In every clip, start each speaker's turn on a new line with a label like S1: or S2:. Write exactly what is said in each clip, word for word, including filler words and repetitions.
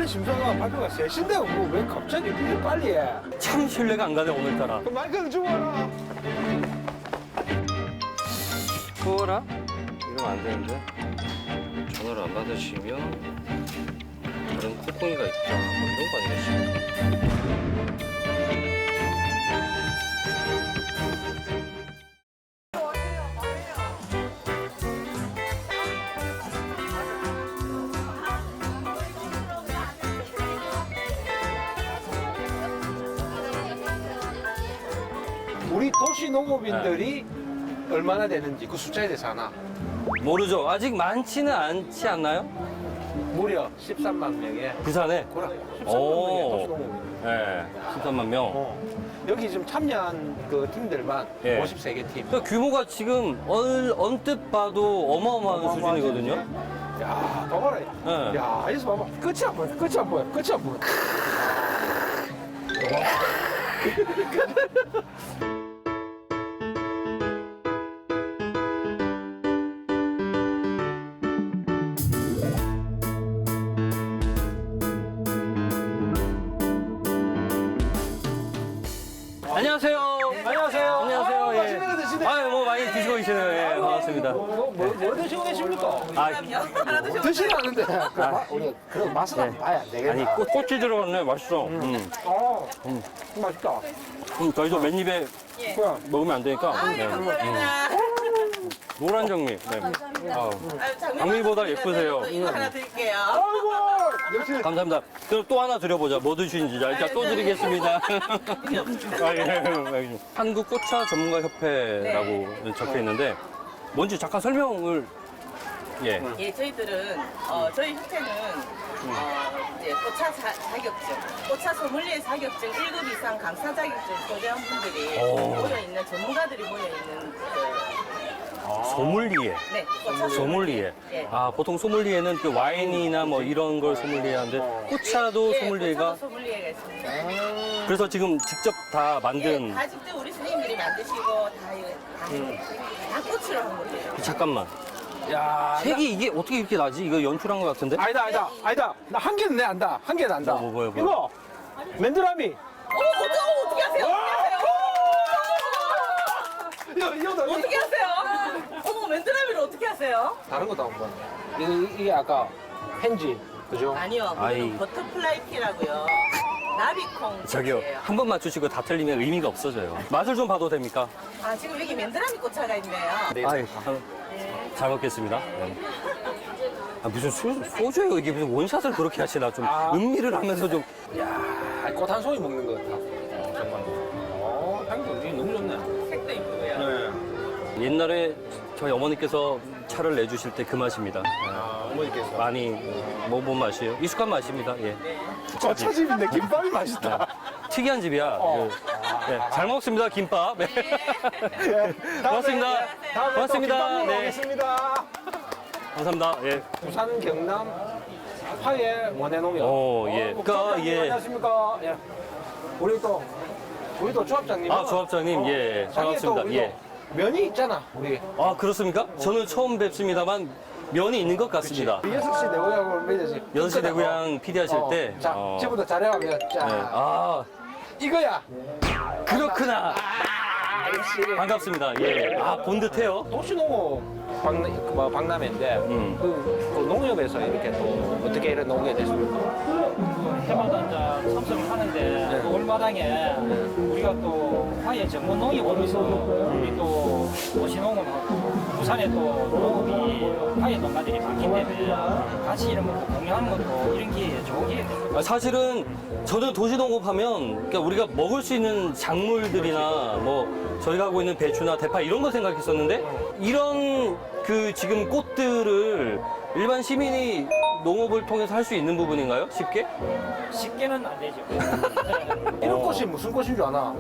S1: 심사가 발표가 셋인데 뭐 왜 갑자기 이렇게 빨리 해?
S2: 참 신뢰가 안 가네 오늘따라.
S1: 그 마이크는 주워라.
S2: 그거라? 이러면 안 되는데. 전화를 안 받으시면 다른 콧구이가 있다. 뭐 이런 거 아니겠지?
S1: 우리 도시 농업인들이 얼마나 되는지 그 숫자에 대해서 아나?
S2: 모르죠. 아직 많지는 않지 않나요?
S1: 무려 십삼만 명의
S2: 부산에?
S1: 고라 십삼만
S2: 오.
S1: 명의 도시 농업인.
S2: 네. 십삼만 명.
S1: 어. 여기 지금 참여한 그 팀들만
S2: 예.
S1: 오십세 개 팀.
S2: 그 규모가 지금 얼, 언뜻 봐도 어마어마한 수준이거든요.
S1: 야, 더 봐라.
S2: 네.
S1: 야, 여기서 봐봐. 끝이 안 보여. 끝이 안 보여. 끝이 안 보여.
S2: 안녕하세요.
S1: 안녕하세요.
S2: 안녕하세요.
S1: 아,
S2: 예.
S1: 맛있는 거 드시네.
S2: 아유, 뭐 많이 드시고 계시네요. 예, 반갑습니다.
S1: 뭐, 뭐, 뭐 드시고 계십니까?
S2: 아,
S1: 드시는 않는데. 그 마, 우리 그런 맛은 한번 봐야 안 되겠나?
S2: 아니, 꽃, 꽃이 들어갔네. 맛있어. 음.
S1: 어, 음. 맛있다.
S2: 음, 저희도 맨입에
S1: 뭐야?
S2: 먹으면 안 되니까. 네. 음. 노란 장미. 네. 아, 장미보다 예쁘세요.
S3: 이거 하나 드릴게요.
S1: 아이고, 역시.
S2: 감사합니다. 그럼 또 하나 드려보자. 뭐 드시는지. 자, 일단 또 드리겠습니다. 아, 예. 한국 꽃차 전문가 협회라고 적혀 있는데 뭔지 잠깐 설명을. 예.
S3: 예, 저희들은 어, 저희 협회는 어, 이제 꽃차 자, 자격증, 꽃차 소믈리에 자격증 일 급 이상 강사 자격증 소재한 분들이
S2: 오.
S3: 모여 있는 전문가들이 모여 있는 그,
S2: 소믈리에.
S3: 네, 꽃차
S2: 소믈리에.
S3: 예.
S2: 아, 보통 소믈리에는 그 와인이나 뭐 이런 걸 소믈리에 하는데 꽃차도
S3: 예,
S2: 소믈리에가.
S3: 꽃차도 소믈리에가 있습니다.
S2: 그래서 지금 직접 다 만든.
S3: 예, 다 직접 우리 선생님들이 만드시고 다 이거 다, 다 꽃으로 한 거예요.
S2: 잠깐만.
S1: 야,
S2: 색이 이게 어떻게 이렇게 나지? 이거 연출한 것 같은데?
S1: 아니다, 아니다, 아니다. 나 한 개는 내 안다. 한 개는 안다.
S2: 뭐, 뭐, 뭐요, 뭐요?
S1: 이거 맨드라미.
S3: 어머, 어떻게, 어떻게 하세요? 어떻게 하세요?
S1: 이거 이거 나
S3: 어떻게 하세요? 어머, 맨드라미를 어떻게 하세요?
S1: 다른 것도 한번. 이게, 이게 아까 펜지, 그죠?
S3: 아니요,
S2: 아이.
S3: 그거는 버터플라이 티라고요. 나비콩.
S2: 저기요,
S3: 꽃이에요.
S2: 한 번 맞추시고 다 틀리면 의미가 없어져요. 맛을 좀 봐도 됩니까?
S3: 아, 지금 여기 맨드라미 꽃차가 있네요.
S1: 네.
S2: 아이, 참, 잘 먹겠습니다. 네. 아, 무슨 소, 소주예요? 이게 무슨 원샷을 그렇게 하시나? 좀
S1: 아.
S2: 음미를 하면서 좀.
S1: 야, 꽃 한 송이 먹는 것 같다. 어, 정말. 어, 향도 이게 너무 좋네.
S3: 색도 이쁘고요.
S1: 네.
S2: 옛날에 저희 어머니께서 차를 내주실 때 그 맛입니다.
S1: 아, 어머니께서.
S2: 많이 먹어본 맛이에요. 익숙한 맛입니다. 예.
S1: 저차집인데 김밥이 맛있다.
S2: 특이한 집이야.
S1: 어.
S2: 그, 네, 잘 먹습니다. 김밥. 네.
S1: 네.
S2: 고맙습니다.
S1: 다음에
S2: 고맙습니다.
S1: 또 김밥 먹으러
S2: 네.
S1: 오겠습니다.
S2: 감사합니다. 예.
S1: 부산 경남 화해 원해농협.
S2: 오, 예.
S1: 어,
S2: 그,
S1: 조합장님
S2: 예.
S1: 안녕하십니까? 예. 우리 또 우리 또 조합장님.
S2: 아, 조합장님, 예, 반갑습니다. 예.
S1: 면이 있잖아, 우리.
S2: 아, 그렇습니까? 저는 처음 뵙습니다만 면이 있는 것 같습니다.
S1: 여섯 시 내고향을 매지.
S2: 여섯 시 내고향 피디 하실 때.
S1: 자,
S2: 어,
S1: 지금부터 잘해가면 자,
S2: 네. 아,
S1: 이거야.
S2: 그렇구나.
S1: 아, 역시.
S2: 반갑습니다. 예. 아, 본 듯해요.
S1: 도시농업 박람, 그 뭐, 박람회인데
S2: 음.
S1: 그, 그 농협에서 이렇게 또 어떻게 이런 농업에 됐습니까?
S4: 해마다 이제 참석을 하는데 그 올마당에 우리가 또 화해 전문 농협으로서 우리 또 도시농업하고 부산에 또 농업이 화해 농가들이 많기 때문에 같이 이런 것도 공유하는 것도 이런 기회에 좋은 기회입니다.
S2: 아, 사실은 저는 도시농업하면 그러니까 우리가 먹을 수 있는 작물들이나 뭐 저희가 하고 있는 배추나 대파 이런 거 생각했었는데 이런 그 지금 꽃들을 일반 시민이 농업을 통해서 할 수 있는 부분인가요? 쉽게?
S4: 쉽게는 안 되죠.
S1: 이런 꽃이 무슨 꽃인 줄 아나?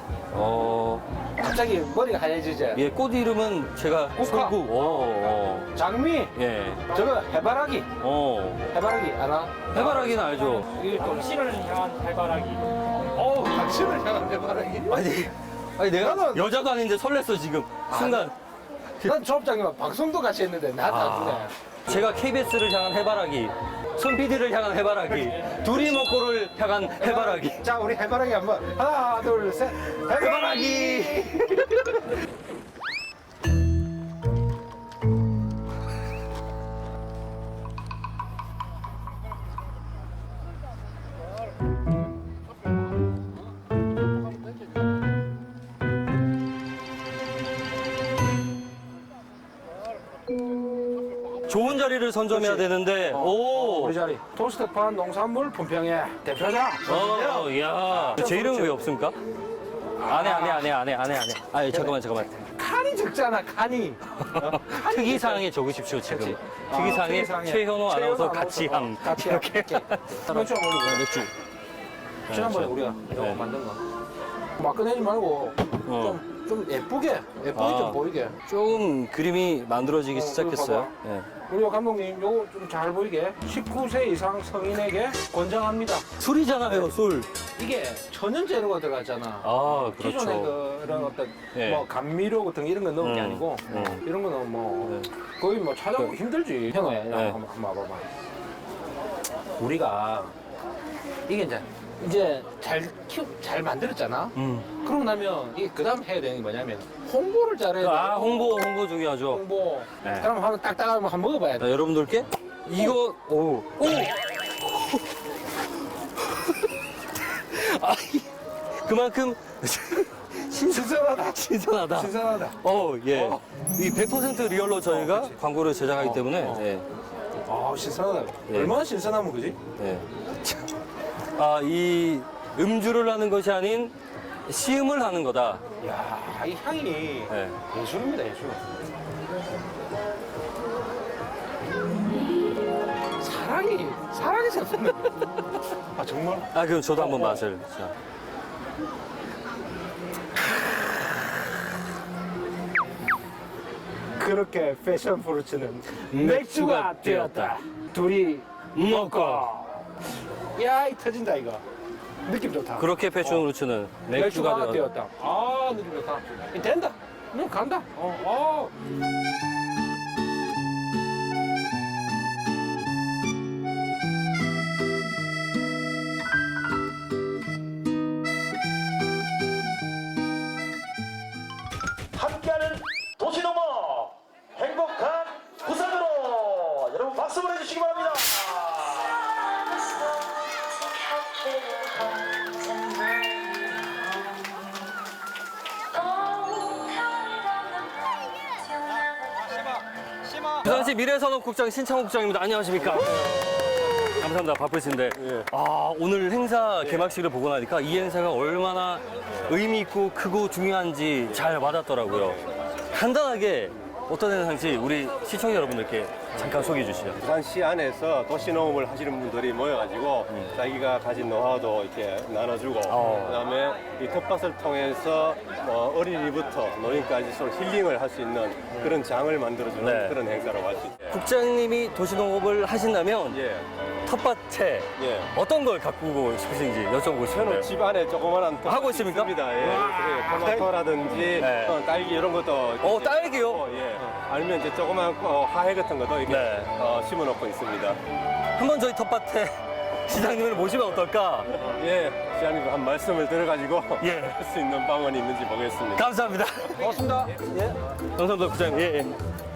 S2: 어,
S1: 갑자기 머리가 하얘지지?
S2: 예, 꽃 이름은 제가
S1: 꽃화.
S2: 설국. 어, 어.
S1: 장미,
S2: 예,
S1: 저거 해바라기,
S2: 어.
S1: 해바라기 아나?
S2: 해바라기는 알죠.
S4: 이 당신을 향한 해바라기.
S1: 어우, 당신을 향한 해바라기?
S2: 아니, 아니 내가
S1: 나는-
S2: 여자도 아닌데 설렜어 지금 순간.
S1: 난 조합장님과 방송도 같이 했는데 나도 안 주네.
S2: 제가 케이비에스를 향한 해바라기. 손 피디를 향한 해바라기, 둘이 먹고를 향한 해바라기.
S1: 자, 우리 해바라기 한번 하나, 둘, 셋.
S2: 해바라기. 좋은 자리를 선점해야
S1: 그렇지.
S2: 되는데,
S1: 어,
S2: 오.
S1: 우리 자리 토스트판 농산물 분평회 대표자.
S2: 어, 야. 제 이름은 왜 없습니까? 안해, 안해, 안해, 안해, 안해, 안해. 아, 잠깐만, 잠깐만.
S1: 칸이 적잖아, 칸이.
S2: 특이사항에 적으십시오, 지금.
S1: 그렇지.
S2: 특이사항에
S1: 아, 특이사항에
S2: 최현호 아나운서
S1: 최현호
S2: 같이
S1: 아나운서.
S2: 함.
S1: 같이 함.
S2: 이렇게.
S1: 맥주 한번 올리고.
S2: 맥주.
S1: 지난번에
S2: 네,
S1: 우리가 이거
S2: 네.
S1: 만든 거. 막 꺼내지 말고
S2: 어.
S1: 좀, 좀 예쁘게, 예쁘게
S2: 아.
S1: 좀 보이게.
S2: 조금 그림이 만들어지기
S1: 어,
S2: 시작했어요.
S1: 이거
S2: 예.
S1: 우리 감독님, 요거 좀 잘 보이게 십구 세 이상 성인에게 권장합니다.
S2: 술이잖아요, 술.
S1: 이게 천연 재료가 들어갔잖아.
S2: 아,
S1: 기존의
S2: 그렇죠.
S1: 그런 어떤
S2: 예.
S1: 뭐 감미료 같은 이런 거 넣은 게
S2: 음,
S1: 아니고
S2: 음.
S1: 이런 거는 뭐
S2: 네.
S1: 거의 뭐 찾아보기
S2: 그-
S1: 힘들지. 현호야,
S2: 네.
S1: 한번, 한번 와봐봐. 우리가 이게 이제 이제 잘 키우 잘 만들었잖아.
S2: 음.
S1: 그러고 나면 이게 그다음 해야 되는 게 뭐냐면 홍보를 잘해야 돼.
S2: 아, 홍보, 홍보 중요하죠.
S1: 홍보.
S2: 네.
S1: 그럼 한번 딱딱하면 한번 먹어봐야 돼.
S2: 자, 여러분들께 이거, 오. 오! 아, 그만큼
S1: 신선하다.
S2: 신선하다.
S1: 신선하다.
S2: 어, 예.
S1: 어.
S2: 이 백 퍼센트 리얼로 저희가
S1: 어, 그치.
S2: 광고를 제작하기
S1: 어,
S2: 때문에,
S1: 어.
S2: 예.
S1: 아, 신선하다.
S2: 예.
S1: 얼마나 신선하면 그지?
S2: 예. 참. 아, 이 음주를 하는 것이 아닌 시음을 하는 거다.
S1: 야, 이 향이
S2: 예.
S1: 예술입니다, 예술. 사랑이, 사랑이 샘솟네. 아, 정말?
S2: 아, 그럼 저도 한번
S1: 어, 어.
S2: 맛을. 자.
S1: 그렇게 패션 프루츠는
S2: 맥주가
S1: 맥주가 되었다. 둘이
S2: 먹고.
S1: 야, 이 터진다, 이거. 느낌 좋다.
S2: 그렇게 패션 루츠는
S1: 맥주가,
S2: 맥주가 되었다.
S1: 되었다. 아, 느낌 좋다. 이 된다. 응, 간다. 어, 어.
S5: 함께하는 도시농업 행복한 부산으로 여러분 박수 보내주시기 바랍니다.
S2: 부산시 미래산업국장 신창호 국장입니다. 안녕하십니까? 감사합니다. 바쁘신데. 아, 오늘 행사 개막식을 보고 나니까 이 행사가 얼마나 의미 있고 크고 중요한지 잘 와닿더라고요. 간단하게 어떤 행사인지 우리 시청자 여러분들께 잠깐 소개해 주시죠.
S6: 부산시 안에서 도시농업을 하시는 분들이 모여가지고 자기가 가진 노하우도 이렇게 나눠주고
S2: 어.
S6: 그다음에 이 텃밭을 통해서 어, 어린이부터 노인까지 서로 힐링을 할 수 있는 그런 장을 만들어주는
S2: 네.
S6: 그런 행사라고 할 수 있어요.
S2: 국장님이 도시농업을 하신다면
S6: 예,
S2: 텃밭에
S6: 예.
S2: 어떤 걸 가꾸고 싶으신지 여쭤보고 싶은데요.
S6: 저는 집 안에 조그만한 텃밭이
S2: 하고 있습니까?
S6: 있습니다. 예. 예, 토마토라든지
S2: 네.
S6: 어, 딸기 이런 것도
S2: 어, 딸기요?
S6: 어, 예. 아니면 이제 조그만 어, 하해 같은 것도 이렇게
S2: 네.
S6: 어, 심어놓고 있습니다.
S2: 한번 저희 텃밭에 시장님을 모시면 어떨까?
S6: 예, 시장님 한 말씀을 들어가지고
S2: 예.
S6: 할 수 있는 방언이 있는지 보겠습니다.
S2: 감사합니다.
S1: 고맙습니다. 예.
S2: 감사합니다, 국장님. 예, 예.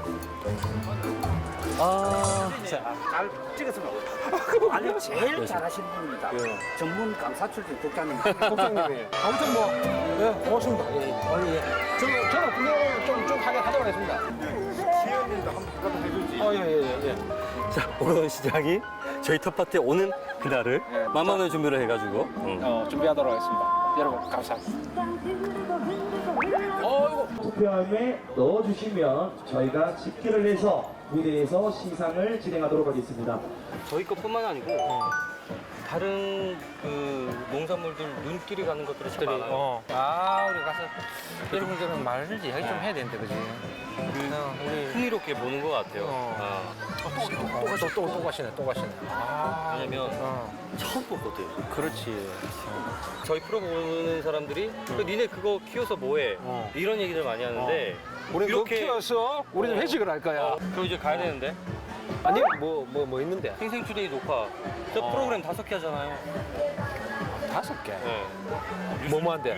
S2: 아,
S1: 잘 찍었습니다.
S7: 아니 제일 잘하시는 분입니다. 전문 감사 출신 국장님.
S1: 국장님이. 아무튼 뭐, 예, 고맙습니다. 예, 예. 아니, 예. 저, 저는 구경을 좀, 좀 하게 하도록 하겠습니다. 시연님도 한번 해주지. 어, 예, 예, 예. 예.
S2: 자, 오건 시장이 저희 텃밭에 오는 그날을
S1: 예.
S2: 만만한 준비를 해가지고. 음.
S1: 어, 준비하도록 하겠습니다. 여러분, 감사합니다. 어이구.
S8: 투표함에 넣어주시면 저희가 집계를 해서 무대에서 시상을 진행하도록 하겠습니다.
S2: 저희 것뿐만 아니고 다른 그 농산물들 눈길이 가는 것들이 참 많아요.
S1: 어. 아, 우리 가서 여러분들은 말을 이야기 좀 해야 되는데, 그지? 어, 우리.
S2: 흥미롭게 보는 것 같아요.
S1: 어.
S2: 아,
S1: 또, 또, 또, 또 가시네, 또 가시네. 아.
S2: 왜냐면
S1: 어.
S2: 처음 보거든.
S1: 그렇지.
S2: 저희 프로 보는 사람들이 그 니네 그거 키워서 뭐해?
S1: 어.
S2: 이런 얘기들 많이 하는데
S1: 우리
S2: 이렇게-
S1: 이렇게 키워서 우리 좀 회식을 할 거야.
S2: 어, 그럼 이제 가야 되는데
S1: 아니 뭐 뭐 뭐 있는데?
S2: 생생투데이 녹화. 저 프로그램 다섯 개 하잖아요.
S1: 다섯 개.
S2: 네.
S1: 뭐뭐 한대?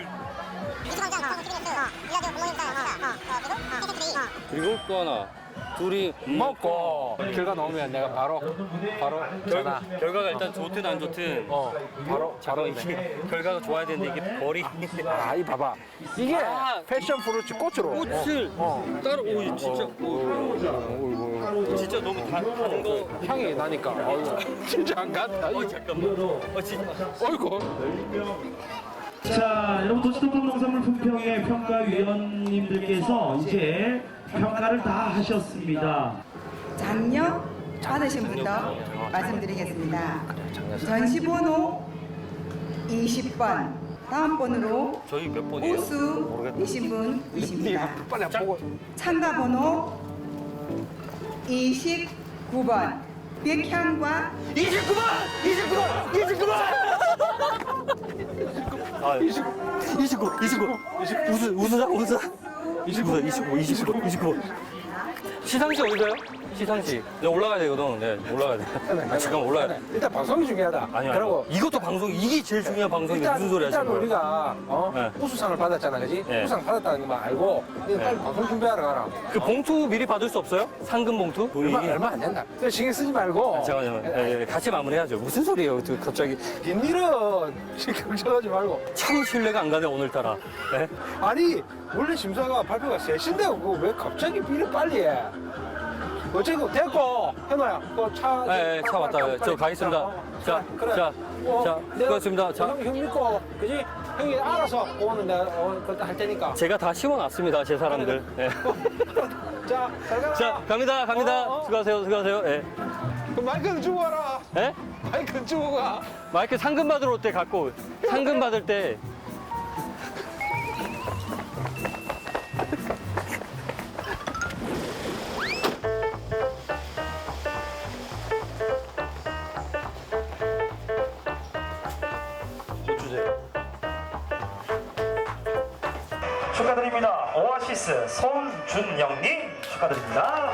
S2: 그리고 또 하나. 둘이
S1: 먹고 결과 나오면 내가 바로 바로 전화.
S2: 결과가 일단 좋든 안 좋든
S1: 어 바로 바로
S2: 잠깐 이게 결과가 좋아야 되는데 이게 벌이
S1: 아이 봐봐 이게
S2: 아,
S1: 패션 프루츠 꽃으로
S2: 꽃을
S1: 어.
S2: 따로 오 진짜 오, 진짜 너무 다, 다른 거
S1: 향이 나니까 어이구, 진짜 안 갔다.
S2: 어 잠깐만 어 진짜
S1: 어이구.
S8: 자, 여러분 도시동산 농산물 품평회 평가위원님들께서 이제 평가를 다 하셨습니다.
S9: 장려 받으신 분도 말씀드리겠습니다. 전시번호 이십 번 다음 번으로
S2: 저희 몇 번이에요?
S9: 우수 되신 분이십니다.
S1: 빨리 안 보고.
S9: 참가번호 이십구 번 백향과
S2: 이십구 번! 이십구 번! 이십구 번! 아, 이십구, 이십구, 이십구. 웃으, 웃으자, 웃으자. 이십구 번, 이십구, 이십구, 이십구. 시상식 어디가요? 시상식. 네, 올라가야 되거든. 네, 올라가야 돼. 아, 잠깐 올라가야 돼.
S1: 일단 방송이 중요하다.
S2: 아니요,
S1: 그리고
S2: 아니요. 이것도 방송, 이게 제일 중요한 방송인데
S1: 일단,
S2: 무슨 소리 하시는
S1: 일단
S2: 거예요?
S1: 우리가 어?
S2: 네.
S1: 우수상을 받았잖아, 그지?
S2: 네.
S1: 우수상 받았다는 것만 알고 이거 빨리 방송 준비하러 가라.
S2: 그 봉투 미리 받을 수 없어요? 상금 봉투? 돈이?
S1: 얼마, 얼마 안 된다. 그래서 신경 쓰지 말고.
S2: 잠깐만요. 예, 예, 같이 마무리해야죠. 무슨 소리예요? 또 갑자기
S1: 빈일은 신경 써가지 말고.
S2: 참 신뢰가 안 가네 오늘따라. 예?
S1: 아니 원래 심사가 발표가 세 시인데 그거 왜 갑자기 비를 빨리 해? 어쨌든 됐고 현아야 그차
S2: 예, 예, 차 왔다. 저 가겠습니다. 자,
S1: 그래.
S2: 자,
S1: 어,
S2: 자,
S1: 내가
S2: 수고하셨습니다. 자.
S1: 형, 형 믿고 그지? 형이 알아서 오늘 내가 어, 그때 할 테니까.
S2: 제가 다 씌워놨습니다, 제 사람들. 예.
S1: 자, 잘 가라.
S2: 자, 갑니다, 갑니다.
S1: 어, 어.
S2: 수고하세요, 수고하세요. 예.
S1: 그 마이크는 주고 와라.
S2: 예?
S1: 마이크는 주고 가.
S2: 마이크 상금 받으러 올 때 갖고, 상금 받을 때.
S5: 축하드립니다. 오아시스 손준영님 축하드립니다.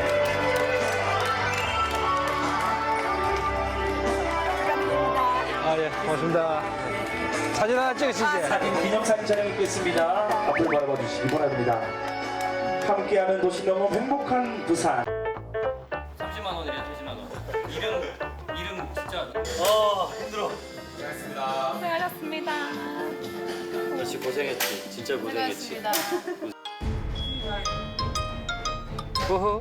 S1: 아 예, 고맙습니다. 사진 하나 찍으시지.
S8: 사진 기념사진 촬영했겠습니다. 앞을 바라봐 주시기 바랍니다. 함께하는 도시 너무 행복한 부산.
S2: 삼십만 원이래요, 삼십만 원. 이름, 이름 진짜. 아, 힘들어.
S10: 고생하셨습니다.
S2: 역시 고생했지. 진짜 고생했지. 호호.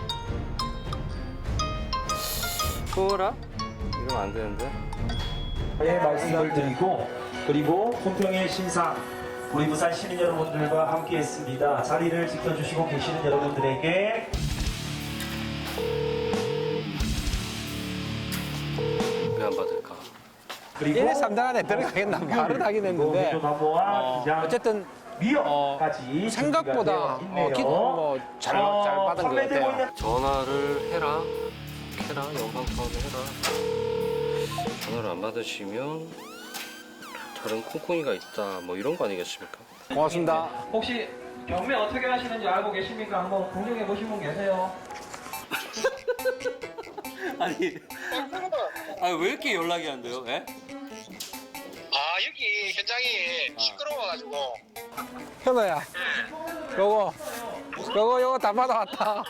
S2: 호라? 이러면 안 되는데.
S8: 예, 말씀을 드리고 그리고 품평의 신상 우리 부산 시민 여러분들과 함께했습니다. 자리를 지켜주시고 계시는 여러분들에게
S2: 왜 안 받을까?
S8: 그리고
S1: 일, 삼 단 안에 들어가겠나 말은 하긴 했는데
S8: 나무와 기장
S1: 어쨌든
S8: 미역까지
S1: 생각보다 어, 기, 뭐잘
S8: 어,
S1: 잘 받은 것 같아요.
S2: 전화를 해라. 해라. 영상 통화를 해라. 전화를 안 받으시면 다른 콩콩이가 있다. 뭐 이런 거 아니겠습니까?
S1: 고맙습니다.
S4: 혹시 경매 어떻게 하시는지 알고 계십니까? 한번 공정해 보신 분 계세요?
S2: 아니, 아니 왜 이렇게 연락이 안 돼요? 예?
S11: 아 여기 현장이 시끄러워가지고
S1: 현아야, 요거 요거 요거 다 받아왔다.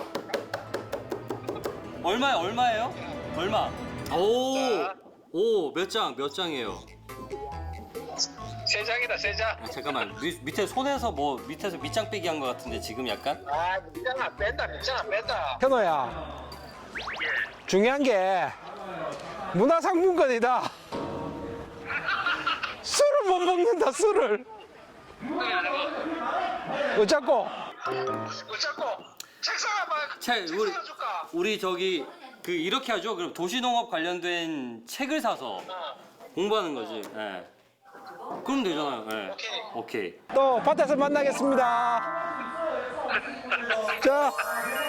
S2: 얼마요? 얼마예요? 얼마? 오, 오, 몇 장? 몇 장이에요?
S11: 세 장이다 세 장.
S2: 아, 잠깐만, 미, 밑에 손에서 뭐 밑에서 밑장 빼기 한 것 같은데 지금 약간?
S11: 아 밑장 안 뺀다 밑장 안 뺀다.
S1: 현아야, 중요한 게 문화상품권이다. 술을 못 먹는다 술을. 어쩌고?
S11: 어쩌고 책상 한번
S2: 책,
S11: 책상
S2: 우리,
S11: 줄까?
S2: 우리 저기 그 이렇게 하죠. 그럼 도시농업 관련된 책을 사서 공부하는 거지. 예. 그럼 되잖아요. 예. 오케이. 오케이.
S1: 또 밭에서 만나겠습니다. 자.